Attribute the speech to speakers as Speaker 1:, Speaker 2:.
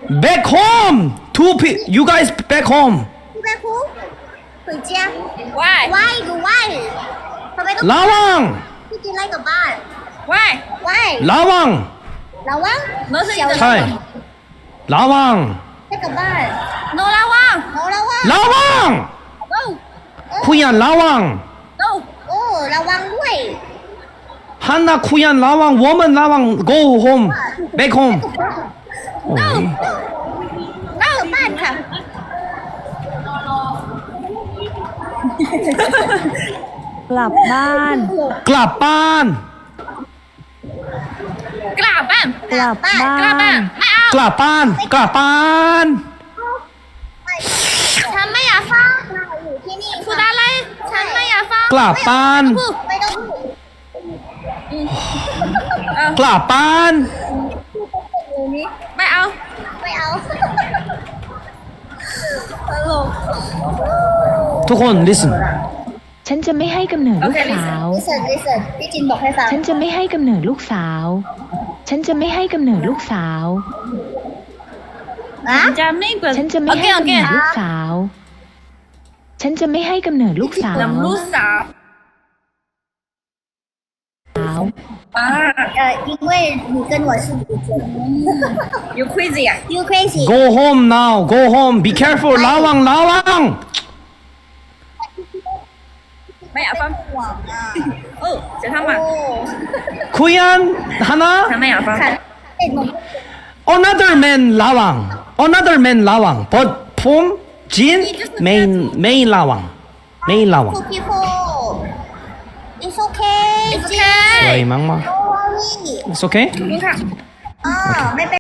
Speaker 1: Back home. You guys back home.
Speaker 2: ไปคุก回家
Speaker 3: Why
Speaker 2: ไหว้กูไหว้ทำไมต้อง
Speaker 1: 라왕.
Speaker 2: พี่กินอะไรกลับบ้าน
Speaker 3: Why
Speaker 2: ไหว้
Speaker 1: 라왕.
Speaker 2: ระวัง
Speaker 3: no 是你的
Speaker 1: 차이. 라왕.
Speaker 2: ให้กลับบ้าน
Speaker 3: No 拉旺
Speaker 2: โอ้ระวัง
Speaker 1: 라왕.
Speaker 3: No
Speaker 1: 쿠얀 라왕.
Speaker 3: No
Speaker 2: โอ้ระวังด้วย
Speaker 1: 한나 쿠얀 라왕. 워먼 라왕. Go home. Back home. 어이.
Speaker 2: กลับบ้านค่ะ
Speaker 4: กลับบ้าน
Speaker 1: 글라빤.
Speaker 3: กลับบ้าน
Speaker 4: กลับบ้าก
Speaker 3: ลับบ้าน
Speaker 4: น
Speaker 3: ไม่เอา
Speaker 1: 글라빤. 글라빤.
Speaker 2: ฉันไม่อยากฟังอยู่ที่นี่
Speaker 3: พูดอะไรฉันไม่อยากฟัง
Speaker 1: 글라빤.
Speaker 2: ไม่ต้องพูด
Speaker 1: 글라빤.
Speaker 3: ไม่เอา
Speaker 2: ไม่เอาตลก
Speaker 1: ทุกคน listen.
Speaker 4: ฉันจะไม่ให้กำเนิดลูกสาว
Speaker 2: listen พี่จินบอกให้ฟัง
Speaker 4: ฉันจะไม่ให้กำเนิดลูกสาว ฉันจะไม่ให้กำเนิดลูกสาว
Speaker 2: อะ
Speaker 3: จะไม่เปิด
Speaker 4: ฉันจะไม่ให้
Speaker 3: โอเค
Speaker 4: กำเนิดลูกสาว ฉันจะไม่ให้กำเนิดลูกสาว
Speaker 3: ลำลูกสาว อ่า
Speaker 2: 因为你跟我是女生
Speaker 3: you crazy อ่ะ
Speaker 2: you crazy
Speaker 1: Go home now. Go home. Be careful. 라왕 라왕.
Speaker 3: ไม่อยากฟัง
Speaker 2: หวังอ่ะ
Speaker 3: เออจะทำอ่ะ
Speaker 2: โอ้
Speaker 1: 쿠얀 하나.
Speaker 3: ฉันไม่อยากฟัง
Speaker 2: ค่ะเด็กหนุ่ม
Speaker 1: Another man 라왕. Another man 라왕. But 폼 진 main 라왕. main 라왕.
Speaker 2: two people it's okay
Speaker 3: It's okay
Speaker 1: สวยมาก
Speaker 2: no worry
Speaker 1: ๆ It's okay?
Speaker 3: คุณค่ะ
Speaker 2: อ่าไม่เป็น